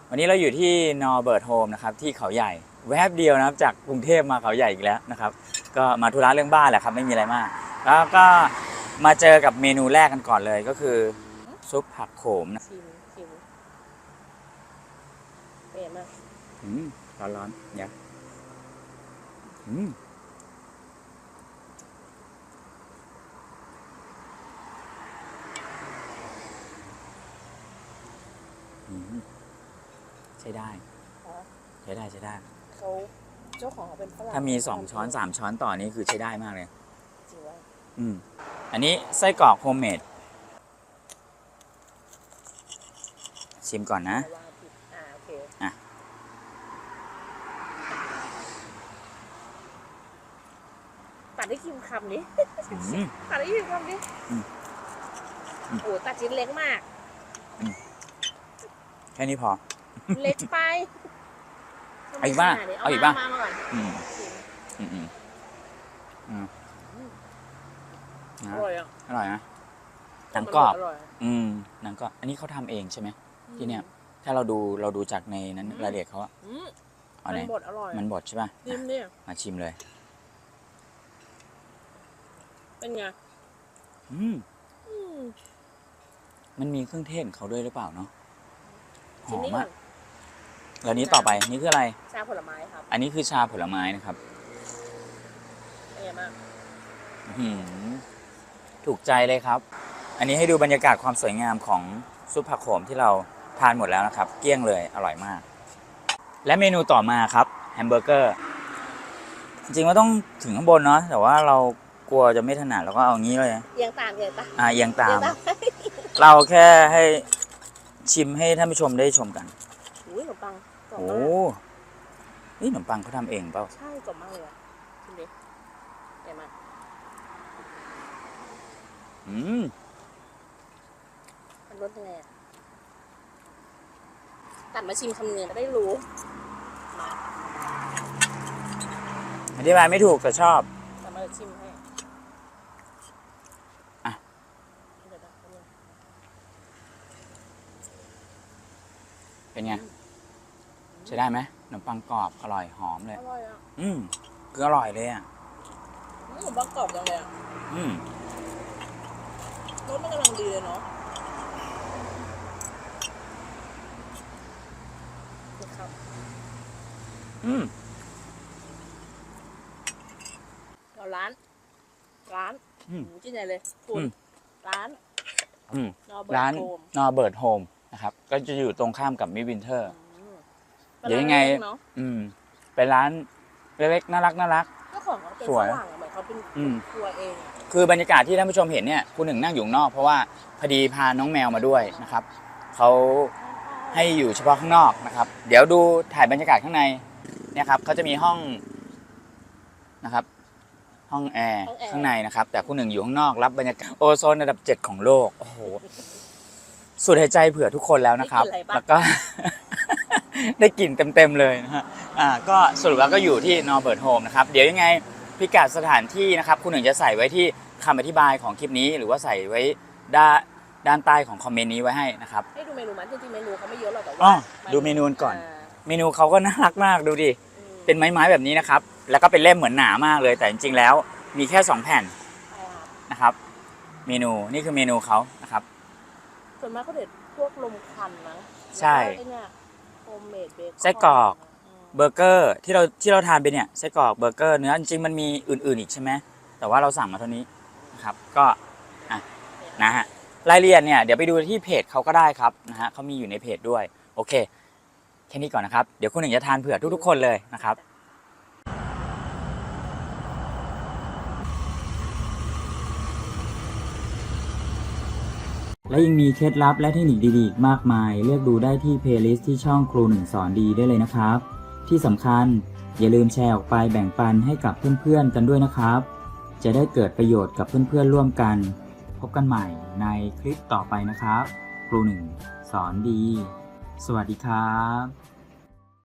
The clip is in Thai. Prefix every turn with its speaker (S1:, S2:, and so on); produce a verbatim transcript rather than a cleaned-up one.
S1: วันนี้เราอยู่ที่นอร์เบิร์ตโฮมนะครับที่เขาใหญ่แวบเดียวนะครับจากกรุงเทพมาเขาใหญ่อีกแล้วนะครับก็มาธุระเรื่องบ้านแหละครับไม่มีอะไรมากแล้วก็มาเจอกับเมนูแรกกันก่อนเลยก็คือซุปผักโขมนะ
S2: ชิมชิมเป็นยังไง
S1: อืมร้อนร้อนเนี่ยอืมใช้ได้ใช้ได้ใช้ได้
S2: เขาเจ้าของเขาเป็นฝรั่ง
S1: ถ้ามีสองช้อนสามช้อนต่อนี้คือใช้ได้มากเลย
S2: จริงวะ
S1: อืมอันนี้ไส้กรอกโฮมเมดชิมก่อนนะ
S2: อ่าโอเค
S1: อ่ะ
S2: ตัดได้คิมคำนี้ตัดได้คิมคำนี้โอ้ตัดชิ้นเล็กมาก
S1: แค่นี้พอ
S2: เล็กไป
S1: เอาอีกบ้างเอาอีกบ้าง
S2: มาก่อน
S1: อืมอืมอืมอืม
S2: อร่อยอ่ะ
S1: อร่อยนะหนังกรอบอืมหนังกรอบอันนี้เขาทำเองใช่ไหมที่เนี่ยถ้าเราดูเราดูจากในนั้นรายละเอียดเขาอะ
S2: มันบดอร่อย
S1: มันบดใช่ป่ะ
S2: ชิมเนี่ย
S1: มาชิมเลย
S2: เป็นไง
S1: อืมมันมีเครื่องเทศเขาด้วยหรือเปล่าเนาะหอมมากแล้วนี้ต่อไปนี่คืออะไร
S2: ชาผลไม้ครับ
S1: อันนี้คือชาผลไม้นะครับ
S2: เป็นไงบ้าง
S1: ถูกใจเลยครับอันนี้ให้ดูบรรยากาศความสวยงามของซุปผักโขมที่เราทานหมดแล้วนะครับเกลี้ยงเลยอร่อยมากและเมนูต่อมาครับแฮมเบอร์เกอร์จริงๆว่าต้องถึงข้างบนเนาะแต่ว่าเรากลัวจะไม่ถนัดเราก็เอางี้เลย
S2: เอียงตามเอียงตาม
S1: อ่าเอียงตามเราแค่ให้ชิมให้ท่านผู้ชมได้ชมกัน
S2: อุ้ยขนมปัง
S1: โอ้นี่ขนมปังเขาทำเองเปล่า
S2: ใช่กรอบมากเลยอ่ะชิมดิเดี๋ยวมา
S1: อืม
S2: มันรสยังไงตัดมาชิมคำเนื้อจะได้รู้มา
S1: อธิบายไม่ถูกแต่ชอบ
S2: ตัดมาชิมให้
S1: อ่ะเป็นไงใช้ได้ไหมขนมปังกรอบอร่อยหอมเลย
S2: อร่อยอ่ะ
S1: อืมคืออร่อยเลยอ่ะ
S2: ขนมปังกรอบจังเลยอ่ะ
S1: อืม
S2: รสมันกำลังดีเลยเนาะครับ
S1: อืม
S2: เราร้านร้าน
S1: อืม
S2: ที่ไหนเลยคุณร้าน
S1: อืมร้านนอร์เบิร์ตโฮมนะครับก็จะอยู่ตรงข้ามกับมิวินเทอร์เดี๋ยวยังไงอืมเป็นร้านเล็กๆน่ารักน่ารัก
S2: เจ้าของเขาเป็นฝรั่งเหมือนเขาเป็นครัวเอง
S1: คือบรรยากาศที่ท่านผู้ชมเห็นเนี่ยคุณหนึ่งนั่งอยู่นอกเพราะว่าพอดีพาน้องแมวมาด้วยนะครับเขาให้อยู่เฉพาะข้างนอกนะครับเดี๋ยวดูถ่ายบรรยากาศข้างในเนี่ยครับเขาจะมีห้องนะครับห้องแอร์ข้างในนะครับแต่คุณหนึ่งอยู่ข้างนอกรับบรรยากาศโอโซนระดับเจ็ดของโลกโอ้โหสูดหายใจเผื่อทุกคนแล้วนะครับแล้วก็ได้กลิ่นเต็มๆเลยนะฮะอ่าก็สรุปแล้วก็อยู่ที่นอร์เบิร์ตโฮมนะครับเดี๋ยวยังไงพิกัดสถานที่นะครับคุณหนึ่งจะใส่ไว้ที่คำอธิบายของคลิปนี้หรือว่าใส่ไว้ด้านด้านใต้ของคอมเมนต์นี้ไว้ให้นะครับ
S2: ให้ดูเมนูมันจริงๆเมนูเขาไม่เยอะหรอกแต่ว่า
S1: ดูเมนูก่อนเมนูเขาก็น่ารักมากดูดิเป็นไม้ๆแบบนี้นะครับแล้วก็เป็นเล่มเหมือนหนามากเลยแต่จริงๆแล้วมีแค่สองแผ่นนะครับเมนูนี่คือเมนูเขานะครับ
S2: ส่วนมากเขาเด็ดพวกลมควันนะ
S1: ใช่
S2: โฮมเมดเบคอน
S1: ไส้กรอกเบอร์เกอร์ที่เราที่เราทานไปเนี่ยไส้กรอกเบอร์เกอร์เนื้อจริงๆมันมีอื่นๆอีกใช่ไหมแต่ว่าเราสั่งมาเท่านี้นะครับก็อ่ะนะฮะรายละเอียดเนี่ยเดี๋ยวไปดูที่เพจเขาก็ได้ครับนะฮะเขามีอยู่ในเพจด้วยโอเคแค่นี้ก่อนนะครับเดี๋ยวคุณหนึ่งจะทานเผื่อทุกๆคนเลยนะครับและยังมีเคล็ดลับและเทคนิคดีๆอีกมากมายเลือกดูได้ที่เพลย์ลิสต์ที่ช่องครูหนึ่งสอนดีได้เลยนะครับที่สำคัญอย่าลืมแชร์ออกไปแบ่งปันให้กับเพื่อนๆกันด้วยนะครับจะได้เกิดประโยชน์กับเพื่อนๆร่วมกันพบกันใหม่ในคลิปต่อไปนะครับครูหนึ่งสอนดีสวัสดีครับ